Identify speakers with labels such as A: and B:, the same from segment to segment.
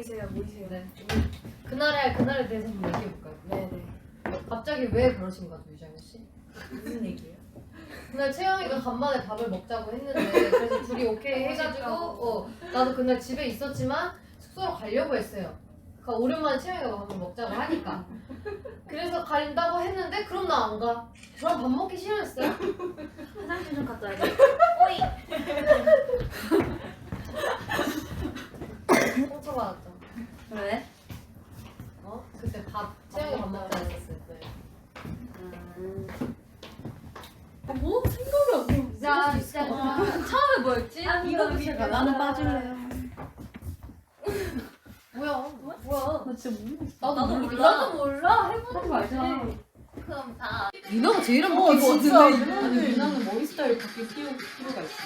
A: 모이세요.
B: 네. 그날에 대해서 한번 얘기해볼까요?
A: 네네.
B: 갑자기 왜 그러신 거죠, 유정현 씨?
A: 무슨 얘기예요?
B: 그날 채영이가 간만에 밥을 먹자고 했는데 그래서 둘이 오케이 해가지고 나도 그날 집에 있었지만 숙소로 가려고 했어요. 그러니까 오랜만에 채영이가 밥을 먹자고 하니까 그래서 가린다고 했는데 그럼 나 안 가. 저랑 밥 먹기 싫어했어요.
A: 화장실 좀 갔다 와야지.
B: 상처받았죠.
A: 왜?
B: 그때 채영이 밥 먹자 했었을 때.
A: 뭐? 생각이 안 나.
B: 진짜
A: 처음에 뭐였지? 이거 제가 나는 빠질래요.
B: 뭐야?
A: 나 진짜 모르겠어.
B: 나도 몰라.
A: 나도 몰라. 해보는 거 알잖아. 그럼 다.
B: 유나가 제일 안 바뀐 거
A: 진짜.
B: 같은데.
C: 아니 유나는 머리 스타일 바뀔 필요가 있어.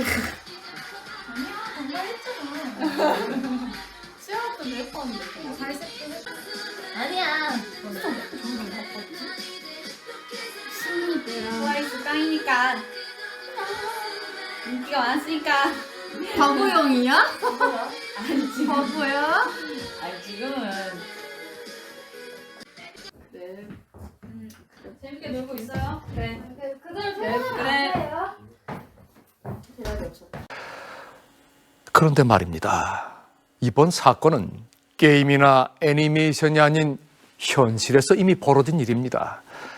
A: 아니야, 정말 했잖아.
C: 수영학도 예뻤는데.
A: 아니야. 트와이스 깡이니까. 인기가 많았으니까.
D: 바보형이야?
C: 아니지.
D: 바보야?
C: 아니 지금은. 네. 재밌게 놀고 있어요?
A: 그래.
B: 그대로
C: 그래.
B: 퇴근하면
A: 대답이 없었다.
E: 그런데 말입니다. 이번 사건은 게임이나 애니메이션이 아닌 현실에서 이미 벌어진 일입니다.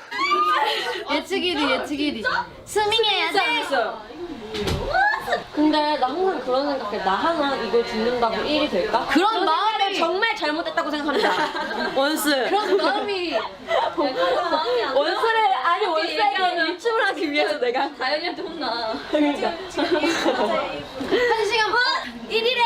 D: 예측일이. 스밍해야 돼.
F: 근데 나 항상 그런 생각해. 나 하나 이걸 죽는다고 일이 될까?
D: 그런 마음이
F: 정말 잘못됐다고 생각합니다. 원스.
D: 그런 마음이
F: 원스를 아니 원스에게 일침을 하기 위해서 내가
A: 다현이한테 혼나.
F: 그러니까
D: 한 시간 반 1일에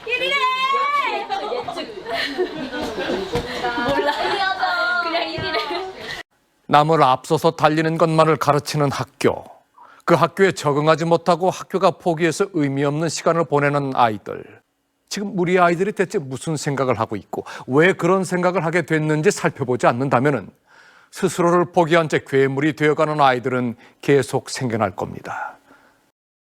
F: 몰라.
A: 그냥 1일에.
E: 남을 앞서서 달리는 것만을 가르치는 학교. 그 학교에 적응하지 못하고 학교가 포기해서 의미 없는 시간을 보내는 아이들. 지금 우리 아이들이 대체 무슨 생각을 하고 있고 왜 그런 생각을 하게 됐는지 살펴보지 않는다면 스스로를 포기한 채 괴물이 되어가는 아이들은 계속 생겨날 겁니다.